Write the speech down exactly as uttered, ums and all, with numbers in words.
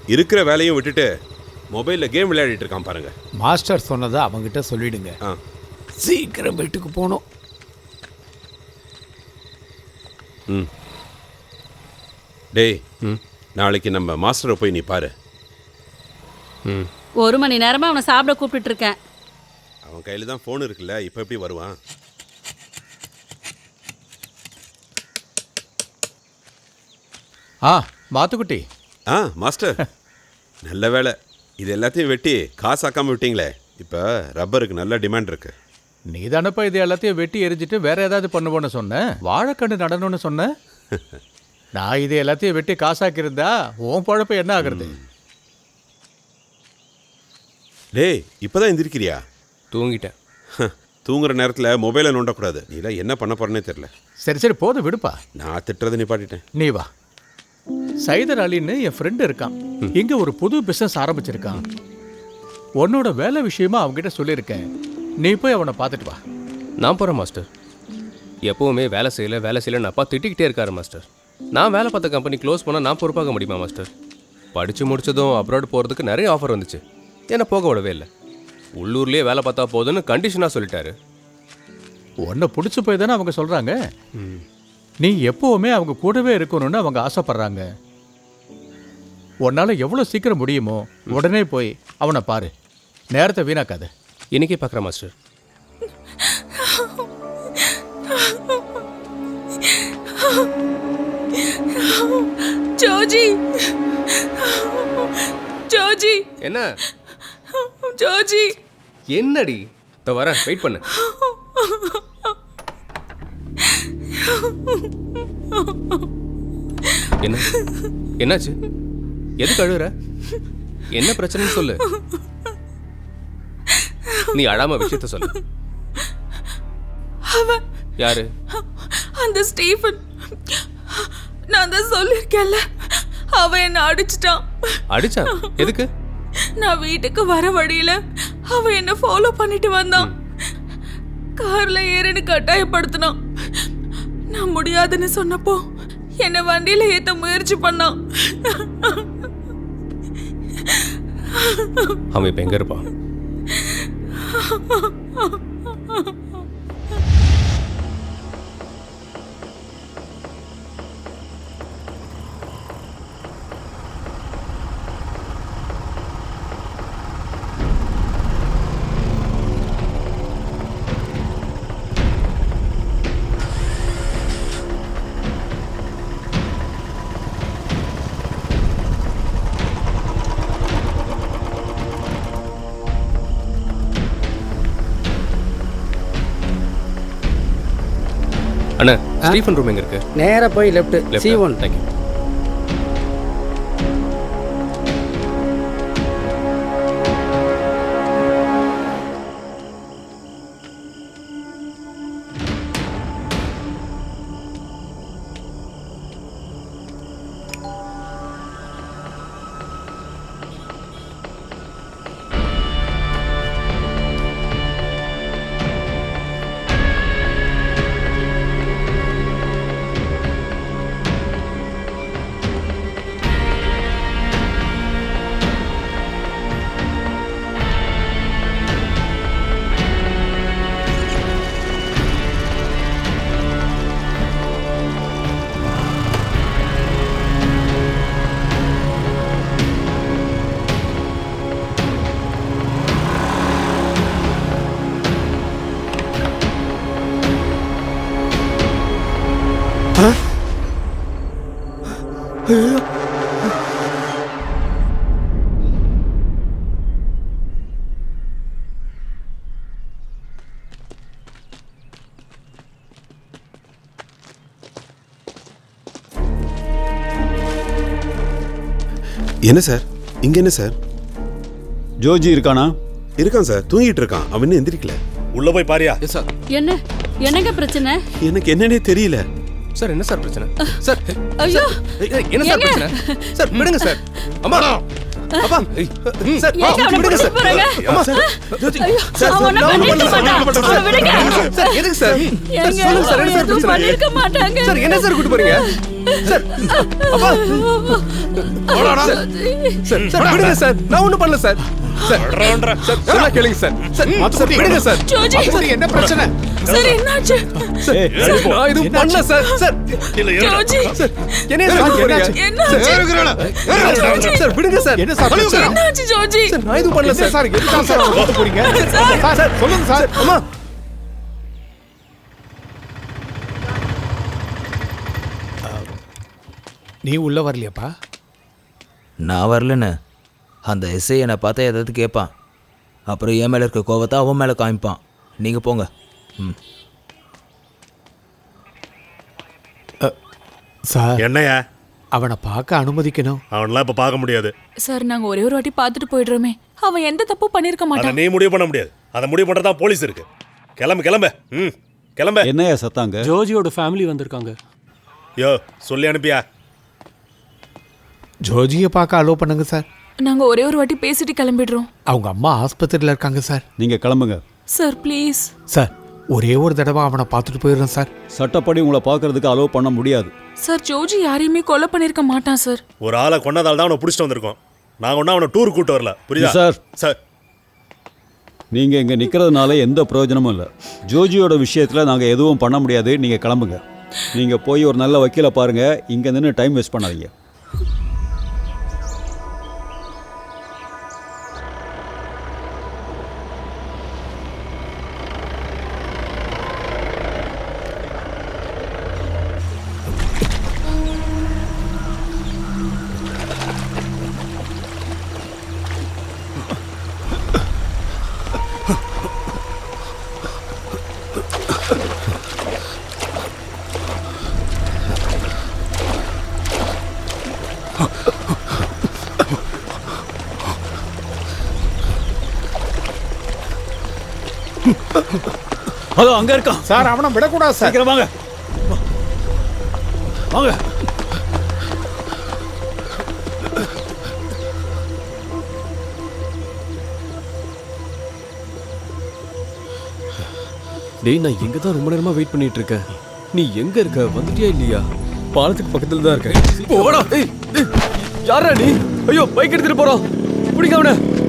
இருக்கிற வேலையும் விட்டுட்டு மொபைலில் கேம் விளையாடிட்டு இருக்கான் பாருங்க. மாஸ்டர் சொன்னதை அவங்ககிட்ட சொல்லிடுங்க. ஆ சீக்கிரம் வீட்டுக்கு போகணும். ம் டேய், ம் நாளைக்கு நம்ம மாஸ்டரை போய் நீ பாரு. ம் ஒரு மணி நேரமாக அவனை சாப்பிட கூப்பிட்டு இருக்கேன். அவன் கையில் தான் ஃபோன் இருக்குல்ல, இப்போ எப்படி வருவான்? ஆ மாத்துக்குட்டி. ஆ மாஸ்டர், நல்ல வேலை. இது எல்லாத்தையும் வெட்டி காசாக்காமல் விட்டீங்களே. இப்போ ரப்பருக்கு நல்ல டிமாண்ட் இருக்கு. நீ தானப்பா இது எல்லாத்தையும் வெட்டி எரிஞ்சிட்டு வேற ஏதாவது பண்ணுவோன்னு சொன்னேன். வாழைக்கண்டு நடணும்னு சொன்ன. நான் இது எல்லாத்தையும் வெட்டி காசாக்கியிருந்தா உன் பழப்ப என்ன ஆகுறது? டேய், இப்போதான் எந்திரிக்கிறியா? தூங்கிட்டேன். தூங்குற நேரத்தில் மொபைலை நோண்டக்கூடாது. நீலாம் என்ன பண்ண போறேன்னே தெரில. சரி சரி போதும் விடுப்பா. நான் திட்டுறதை நிப்பாட்டிட்டேன். நீ வா. சைதர் அலின்னு என் ஃப்ரெண்டு இருக்கான். இங்க ஒரு புது பிசினஸ் ஆரம்பிச்சிருக்கான். உன்னோட வேலை விஷயமா அவங்ககிட்ட சொல்லியிருக்கேன். நீ போய் அவனை பார்த்துட்டு வா. நான் போகிறேன் மாஸ்டர். எப்போவுமே வேலை செய்யலை வேலை செய்யலைன்னு அப்பா திட்டிக்கிட்டே இருக்காரு மாஸ்டர். நான் வேலை பார்த்த கம்பெனி க்ளோஸ் பண்ணால் நான் பொறுப்பாக முடியுமா மாஸ்டர்? படித்து முடித்ததும் அப்ராட் போகிறதுக்கு நிறைய ஆஃபர் வந்துச்சு. என்னை போக விடவே இல்லை. உள்ளூர்லேயே வேலை பார்த்தா போதுன்னு கண்டிஷனாக சொல்லிட்டாரு. உன்னை பிடிச்சி போய் தானே அவங்க சொல்கிறாங்க. நீ எப்போவுமே அவங்க கூடவே இருக்கணும்னு அவங்க ஆசைப்படுறாங்க. உன்னால் எவ்வளோ சீக்கிரம் முடியுமோ உடனே போய் அவனை பாரு. நேரத்தை வீணாக்காத. இன்னைக்கே பார்க்குறேன் மாஸ்டர். ஜோஜி, ஜோஜி, என்ன ஜோஜி, என்னடி? இதோ வரேன், வெயிட் பண்ணு. என்ன என்னாச்சு? எதுக்கு அழுகுற? என்ன பிரச்சனைன்னு சொல்லு. நீ அழாம விஷயத்த சொல்லு. அவன் யாரு? அந்த ஸ்டீஃபன். நான் தான் சொல்லிருக்கேன்ல, அவன் என்ன அடிச்சிட்டான். அடிச்சான்? எதுக்கு? நான் வீட்டுக்கு வர வழியில அவன் என்ன ஃபாலோ பண்ணிட்டு வந்தான். கார்ல ஏறன்னு கட்டாயப்படுத்தினான். நான் முடியாதுன்னு சொன்னப்போ என்ன வண்டியில ஏத்த முயற்சி பண்ணான். அவன் இப்ப எங்க இருப்பான்? அண்ணா, ஸ்டீஃபன் ரூம் எங்க இருக்கு? நேரா போய் left C one. Thank you. என்ன சார் இங்க? என்ன சார்? ஜோஜி இருக்கானா? இருக்கான் சார், தூங்கிட்டு இருக்கான். அவன் இன்னும் எந்திரிக்கல. உள்ள போய் பாரியா? Yes sir. என்ன என்னங்க பிரச்சனை? எனக்கு என்னன்னே தெரியல சார். என்ன சார் பிரச்சனை? சார் ஐயோ, என்ன சார் பிரச்சனை? சார் விடுங்க சார். அம்மா அப்பா சார் ஏங்க அவனை விடுங்க பிடிச்சு சார் போறாங்க? அம்மா சார் ஜோஜி ஐயோ, சார் அவன் ஒண்ணும் நான் ஒண்ணும் பண்ணிருக்க பண்ணல சார். மாட்டான். அவனை விடுங்க. சார் எதுக்கு சார் ஏங்க, சொல்லுங்க சார் அவன் என்ன சார் எதுவும் பிரச்சனை பண்ணிருக்க மாட்டாங்க. சார் என்ன சார் கூட்டி போறீங்க சார் அப்பா சார் சார் சார் விடுங்க சார் நான் ஒண்ணும் பண்ணல சார் சார் சார் சொன்னா கேளுங்க சார் சார் சார் விடுங்க சார் ஜோஜி சரி, என்ன பிரச்சனை? சார் என்னாச்சு ஏய், சார், நான் எதுவும் பண்ணல சார் சார் ஜோஜி சார் என்ன சார் கூட்டி போறீங்க என்னாச்சு சார் விடுங்க சார் என்ன சார் பிரச்சனை? என்னாச்சு ஜோஜி சார் நான் எதுவும் பண்ணல என்ன சார் சார் எதுக்கு சார் அவனை கூட்டு போறீங்க? சார், சார், சொல்லுங்க சார். அம்மா நீ உள்ள வரலையாப்பா? நான் வரலன்னு அந்த எஸ்ஐ என்னை பார்த்தா ஏதாவது கேட்பான். அப்புறம் என் மேலே இருக்க கோவத்தை அவன் மேலே காமிப்பான். நீங்கள் போங்க. ம் சார், என்னையா அவனை பார்க்க அனுமதிக்கணும். அவன்லாம் இப்ப பார்க்க முடியாது. சார் நாங்க ஒரே ஒரு வாட்டி பார்த்துட்டு போயிடுறோமே. அவன் எந்த தப்பு பண்ணிருக்க அதை மாட்டான். நீ முடிவு பண்ண முடியாது. அதை முடிவு பண்றதா போலீஸ் இருக்கு. கிளம்பு கிளம்பு. ம் கிளம்பு. என்னையா சத்தாங்க? ஜோஜியோட ஃபேமிலி வந்திருக்காங்க. யோ சொல்லி அனுப்பியா? ஜோஜியை பார்க்க அலோவ் பண்ணுங்க சார். நாங்க ஒரே ஒரு வாட்டி பேசிட்டு கிளம்பிடுறோம். அவங்க அம்மா ஆஸ்பத்திரியில் இருக்காங்க சார். நீங்க கிளம்புங்க. Sir please. சார், ஒரே ஒரு தடவை அவனை பார்த்துட்டு போயிடுறேன் சார். சட்டப்படி உங்களை பார்க்கறதுக்கு அலோவ் பண்ண முடியாது. சார் ஜோஜி யாரையுமே கொலை பண்ணிருக்க மாட்டான் சார். ஒரு ஆளை கொன்னதால தான் அவனை பிடிச்சிட்டு வந்திருக்கோம். நாங்க ஒன்றும் அவனை டூர் கூட்டு வரல. புரியுதா சார். சார் நீங்க இங்க நிக்கிறதுனால எந்த பிரயோஜனமும் இல்லை. ஜோஜியோட விஷயத்துல நாங்க எதுவும் பண்ண முடியாது. நீங்க கிளம்புங்க. நீங்க போய் ஒரு நல்ல வக்கீலை பாருங்க. இங்க நின்று டைம் வேஸ்ட் பண்ணாதீங்க. அதோ அங்க இருக்கான் சார், அவனை விடக்கூடாது சார். சீக்கிரம் வாங்க வாங்க. டேய், நான் எங்க தான் ரொம்ப நேரமா வெயிட் பண்ணிட்டு இருக்கேன். நீ எங்க இருக்க? வந்துட்டியா இல்லையா? பாலத்துக்கு பக்கத்துல தான் இருக்கேன். போடா. ஏய், ஏய், யாரா நீ? ஐயோ, பைக் எடுத்துட்டு போறோம். பிடிக்க அவனை.